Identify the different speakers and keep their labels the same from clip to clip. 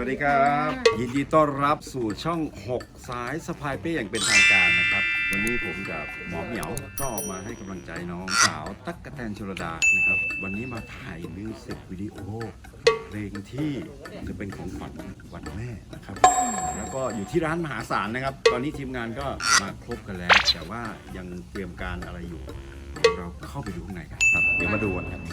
Speaker 1: ดีครับยินดีต้อนรับสู่ช่อง 6 สายสะพายเป้อย่างเป็นทางการนะครับวันนี้ผมกับหมอเหมียวก็มาให้กำลังใจน้องสาวตั๊กกะแตนชลดานะครับวันนี้มาถ่ายมิวสิกวิดีโอเพลงที่จะเป็นของขวัญวันแม่นะครับแล้วก็อยู่ที่ร้านมหาศาลนะครับตอนนี้ทีมงานก็มาครบกันแล้วแต่ว่ายังเตรียมการอะไรอยู่เราเข้าไปดูข้างในกันครับเดี๋ยวมาดูกันครับ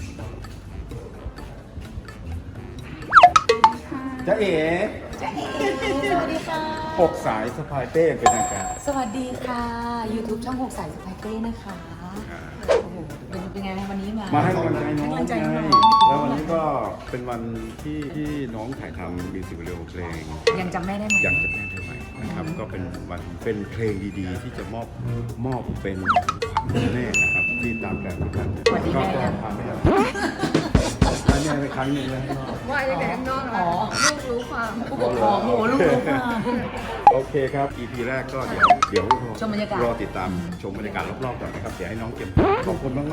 Speaker 1: จ๊ะเอ๋
Speaker 2: สวัสดีค่ะ
Speaker 1: 6 สายสะพายเป้เป็นทางการ
Speaker 2: สวัสดีค่ะ YouTube ช่อง6 สายสไปเต้นะคะโอ้โหเป็นไงวันนี้มา
Speaker 1: ให้กำลังใจน้อง
Speaker 2: ให้กำลังใจน้อง
Speaker 1: แล้ววันนี้ก็เป็นวันที่น้องถ่ายทำมิวสิกวิดีโอเพลง
Speaker 2: ยังจำแม่ได้ไหม
Speaker 1: ยังจะแม่ได้ไหมนะครับ ก็เป็นวันเป็นเพลงดีๆ ที่จะมอบเป็นความแม่นะครับที่ตามแบบกัน
Speaker 2: สวัสดีแม่ยัง
Speaker 1: พาแม่ให้แม่ไปครั้งหนึ่งแล้วให้นอก
Speaker 3: ว่าจะแต่ข้างนอกเหรอลูกรู้ความ
Speaker 2: ผู้ปกครองโอ้โหลูกรู้ค่ะ
Speaker 1: โอเคครับ EP แรกก็เดี๋ยว
Speaker 2: ชมบรรยากาศ
Speaker 1: รอติดตามชมบรรยากาศรอบๆก่อนนะครับเดี๋ยวให้น้องเก็บขอบคุณมาก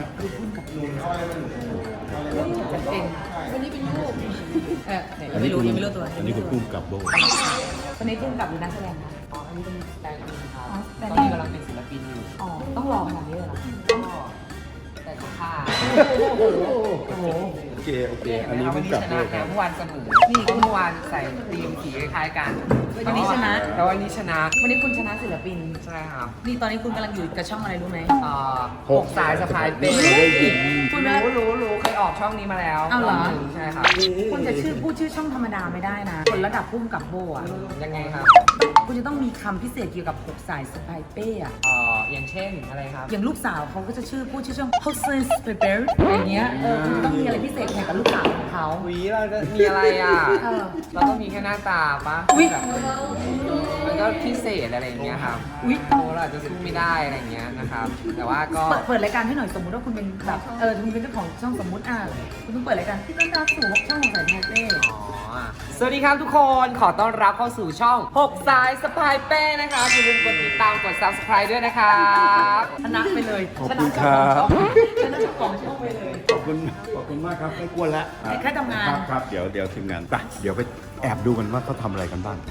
Speaker 2: เป็นวันนี้เป็นลูก
Speaker 1: ๆ
Speaker 2: ยังไม่รู้ตัว
Speaker 1: อันนี้คุณกุ้งกับโบ
Speaker 2: วันนี้พุ่งกับหรือนักแสดงคะ
Speaker 3: อันนี้เป็นแฟนอินครับ
Speaker 2: อ๋อแต่
Speaker 3: ตอน
Speaker 2: นี่
Speaker 3: นี้กำลังเป็นศิลปินอยู่
Speaker 2: อ๋อต้องรอขนาดนี้เลยเหรอ
Speaker 3: ก็แต่ก็ค่า
Speaker 2: โอ้โห
Speaker 1: โอเคอันนี้
Speaker 3: วั
Speaker 1: พุ่
Speaker 3: น
Speaker 1: ง
Speaker 3: นี้
Speaker 1: กับ
Speaker 3: ช
Speaker 1: โบ
Speaker 3: นะ
Speaker 1: ค
Speaker 3: นะ
Speaker 1: รับ
Speaker 3: เมื่อวานเสมอนี่เมื่อวานใส่ธีมสีคล้ายๆกัน
Speaker 2: วันนี้ชนะ
Speaker 3: แต่วันนี้ชนะ
Speaker 2: วันนี้คุณชนะศิลปิน
Speaker 3: ใช่ครับ
Speaker 2: นี่ตอนนี้คุณกำลังอยู่กับช่องอะไรรู้ไหม
Speaker 3: หกสายสะพายเป้
Speaker 2: คุณ
Speaker 3: รู้เคยออกช่องนี้มาแล้ว
Speaker 2: เอาเหรอ
Speaker 3: งนึ่งใช่ครับ
Speaker 2: คุณจะพูดชื่อช่องธรรมดาไม่ได้นะ คนระดับพุ่มกับโบอ่ะ
Speaker 3: ยังไงครับ
Speaker 2: คุณจะต้องมีคำพิเศษเกี่ยวกับ6 สายสไปเป้อะ
Speaker 3: อย่างเช่นอะไรครับ
Speaker 2: อย่างลูกสาวเขาก็จะพูดชื่อช่อง 6 สายสไปเป้อย่างเงี้ยคุณจะต้องมีอะไรพิเศษเกี่ยวกับลูกสาวของเขา
Speaker 3: วีเราจะมีอะไรอ่ะ
Speaker 2: เออ
Speaker 3: เราต้องมีแค่หน้าตาปะ
Speaker 2: อุ๊ย
Speaker 3: แบบมันก็พิเศษอะไรอย่างเงี้ยครับ
Speaker 2: อุ๊ย
Speaker 3: เราอาจจะสู้ไม่ได้อะไรอย่างเงี้ยนะครับ แต่ว่าก็
Speaker 2: เปิดรายการให้หน่อยสมมุติว่าคุณเป็นแบบคุณเป็นเจ้าของช่องสมมุติคุณต้องเปิดรายการที่ต้อนรับสู่ช่อง6 สายสไปเป้
Speaker 3: สวัสดีครับทุกคน ขอต้อนรับเข้าสู่ช่อง 6 สายสปายเป้นะครับอย่าลืมกดติดตามกด subscribe ด้วยนะครับ
Speaker 2: ชนะไปเลย
Speaker 1: ขอบคุณครับ
Speaker 2: ชนะเจ้าของช่องไปเลย
Speaker 1: ขอบคุณมากครับไม่กวนแล้ว
Speaker 2: แค่ทำงาน
Speaker 1: ครับเดี๋ยวทีมงานไปเดี๋ยวไปแอบดูกันว่าเขาทำอะไรกันบ้าง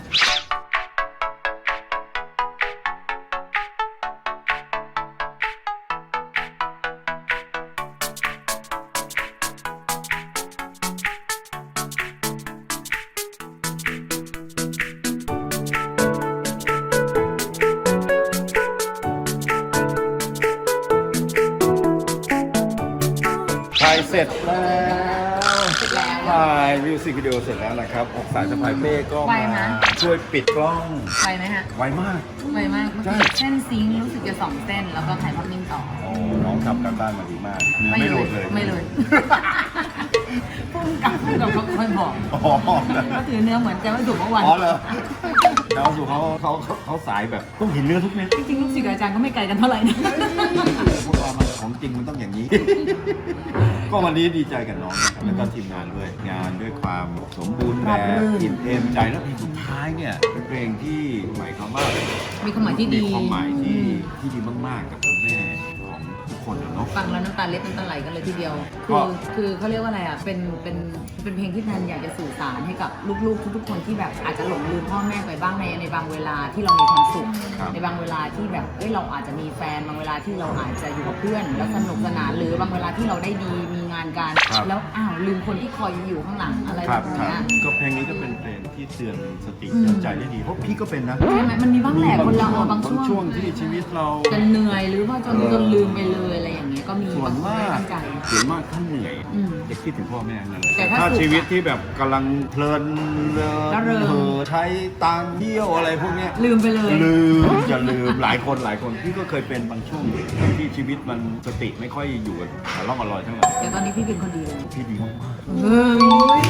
Speaker 1: ถ่ายเสร็จแล้วถ่ายมิวสิกวิดีโอเสร็จแล้วนะครับ6 สายสะพายเป้ก็
Speaker 2: ไว
Speaker 1: มา
Speaker 2: ไหม
Speaker 1: ช่วยปิดกล้อง
Speaker 2: ไปไหมฮะ
Speaker 1: ไวมาก
Speaker 2: ไวมาก
Speaker 1: ใช่
Speaker 2: เส้นซิงค์รู้สึกจะ2 เส้น แล้วก็ถ่ายภาพนิ่งต่อ
Speaker 1: โอ้น้องทำการบ้านมาดีมากเนื้อไม่หลุดเลย
Speaker 2: ไม่เลยพุ่งกับเขาเคยบอก
Speaker 1: อ๋อ
Speaker 2: ก็ถือเนื้อเหมือนจะไม่ถูกเมื่อวาน
Speaker 1: อ๋อเหรอดาวสุเขาสายแบบต้องเห็นเนื้อทุกเม็ด
Speaker 2: จริงๆลูกศิษย์กับอาจารย์ก็ไม่ไกลกันเท่าไหร่นะ
Speaker 1: พวกเรามันของจริงมันต้องอย่างนี้ ก็วันนี้ดีใจกับน้องนะครับแล้วก็ทีมงานด้วยงานด้วยความสมบูรณ์แบบอิ่มเอมใจแล้วเพลงสุดท้ายเนี่ยเป็นเพลงที่หมายความว่า
Speaker 2: มีความหมายที่ดี
Speaker 1: มีความหมายที่ดีมากๆกับคุณแม่ของทุกคนอะเนาะ
Speaker 2: ฟังแล้วน้ำตาเล็ดน้ำตาไหลกันเลยทีเดียว
Speaker 1: ก็
Speaker 2: คือเขาเรียกว่าอะไรอ่ะ เป็นเพลงที่แทนอยากจะสื่อสารให้กับลูกๆทุกๆคนที่แบบอาจจะหลงลืมพ่อแม่ไปบ้างในบางเวลาที่เรามีความสุข ในบางเวลาที่แบบเราอาจจะมีแฟน บางเวลาที่เราอาจจะอยู่กับเพื่อนแล้วสนุกสนาน หรือบางเวลาที่เราได้ดีมีงานการ แล้วลืมคนที่คอยอยู่ข้างหลังอะไร
Speaker 1: ค
Speaker 2: แบ
Speaker 1: รับบ
Speaker 2: เนี้ย
Speaker 1: ก็เพลงนี้ก็เป็นเพลงที่เตือนสติเตือนใจได้ดีเพราะพี่ก็เป็นนะ
Speaker 2: ใช่ไหมมันมีบ้างแหละคนเราบาง
Speaker 1: ช่วงที่ชีวิตเรา
Speaker 2: จะเหนื่อยหรือว่าจนลืมไปเลยอะไรอย่างเงี้ยก็มี
Speaker 1: ส่วน
Speaker 2: บางคน
Speaker 1: มา
Speaker 2: ไม่
Speaker 1: ก
Speaker 2: ตั้งใจ
Speaker 1: ส่วนมากท่านเหนื่อย
Speaker 2: อืม
Speaker 1: จะคิดถึงพ่อแม่นั่นแหละ
Speaker 2: แต่ถ้า
Speaker 1: ถ้า
Speaker 2: สุข
Speaker 1: ชีวิตที่แบบกำลังเพลินเริ
Speaker 2: ร่าเริง
Speaker 1: เผลอใช้ตังค์เที่ยวอะไรพวกเนี้ย
Speaker 2: ลืมไปเลย
Speaker 1: ลืมจะลืมหลายคนพี่ก็เคยเป็นบางช่วงที่ชีวิตมันสติไม่ค่อยอยู่กับร่องอร่อยเท่าไหร่
Speaker 2: แต่ตอนนี้พี่เป็นคนดีเลย
Speaker 1: พี่ดีมาก
Speaker 2: เฮ้ย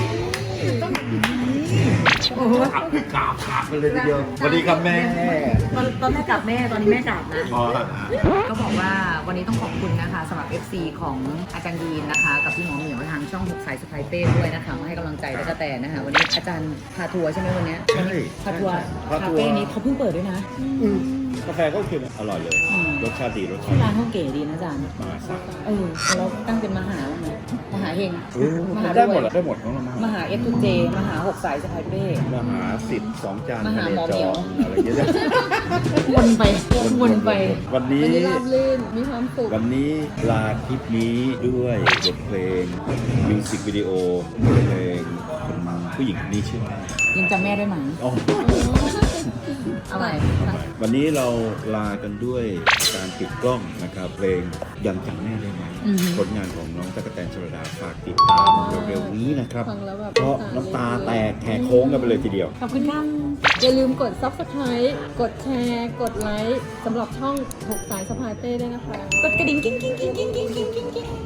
Speaker 2: โอ้โห
Speaker 1: กราบขาดไปเลยทีเดียวสวัสดีครับแม่
Speaker 2: ตอนแม่กลับแม่ตอนนี้แม่กลับนะ
Speaker 1: อ๋อ
Speaker 2: ก็บอกว่าวันนี้ต้องขอบคุณนะคะสำหรับ FC ของอาจารย์ยีนนะคะ กับพี่หมอเหมียวทางช่อง6 สายสไปเป้ด้วยนะคะมาให้กำลังใจแล้วก็แต่นะคะวันนี้อาจารย์พาทัวร์ใช่ไหมวันนี้
Speaker 1: ใช่
Speaker 2: พาทัวร์
Speaker 1: พา
Speaker 2: คา
Speaker 1: ทัวร์
Speaker 2: เฟ่นี้เขาเพิ่งเปิดด้วยนะ
Speaker 1: พกาแฟก็โอเคนะอร่อยเลย
Speaker 2: อืม
Speaker 1: รสชาติดีรสชา
Speaker 2: ชื่อ
Speaker 1: ติ
Speaker 2: ร้านเขาเก๋ดีนะอาจารย์
Speaker 1: มหาศักดิ์
Speaker 2: เราตั้งเป็นมหาบ้างไหมมหาเฮงมหา
Speaker 1: ได้หมด
Speaker 2: รวย
Speaker 1: ได้หมดน้องละ
Speaker 2: มหาเอฟทูเจมหาหกสายสะพายเป้
Speaker 1: มหาสิทธิ์2 จาน
Speaker 2: มหา
Speaker 1: ทะเล
Speaker 2: หมอ
Speaker 1: จ
Speaker 2: เหมี
Speaker 1: อ
Speaker 2: ยว
Speaker 1: อะไรเงี้ย
Speaker 2: วนไปวนไป
Speaker 1: วันนี้
Speaker 4: วันนี้ราบรื่น มีความสุข
Speaker 1: วันนี้ลาคลิปนี้ด้วยบทเพลงมิวสิกวิดีโอบทเพลงคนผู้หญิงคนนี้ชื่ออะไร
Speaker 2: ยังจำแม่ได้ไหม
Speaker 1: อ๋อ
Speaker 2: อะไร
Speaker 1: วันนี้เราลากันด้วยการปิดกล้องนะครับ เพลงยังจำแม่ได้ไหมผลงานของน้องตั๊กแตนชลดาฝากติดตามเร็วๆนี้นะครับ
Speaker 4: ฟังแล้วแบบ
Speaker 1: เพราะน้ำตาแตกแหกโค้งกันไปเลยทีเดียว
Speaker 2: ขอบคุณครับ
Speaker 4: อย่าลืมกด subscribe กดแชร์ กดไลค์สำหรับช่อง6 สายสะพายเป้ด้วยนะคะ
Speaker 2: กดกระดิ่งกิ้งกิ้งกิ้งกิ้งกิ้งกิ้งกิ้ง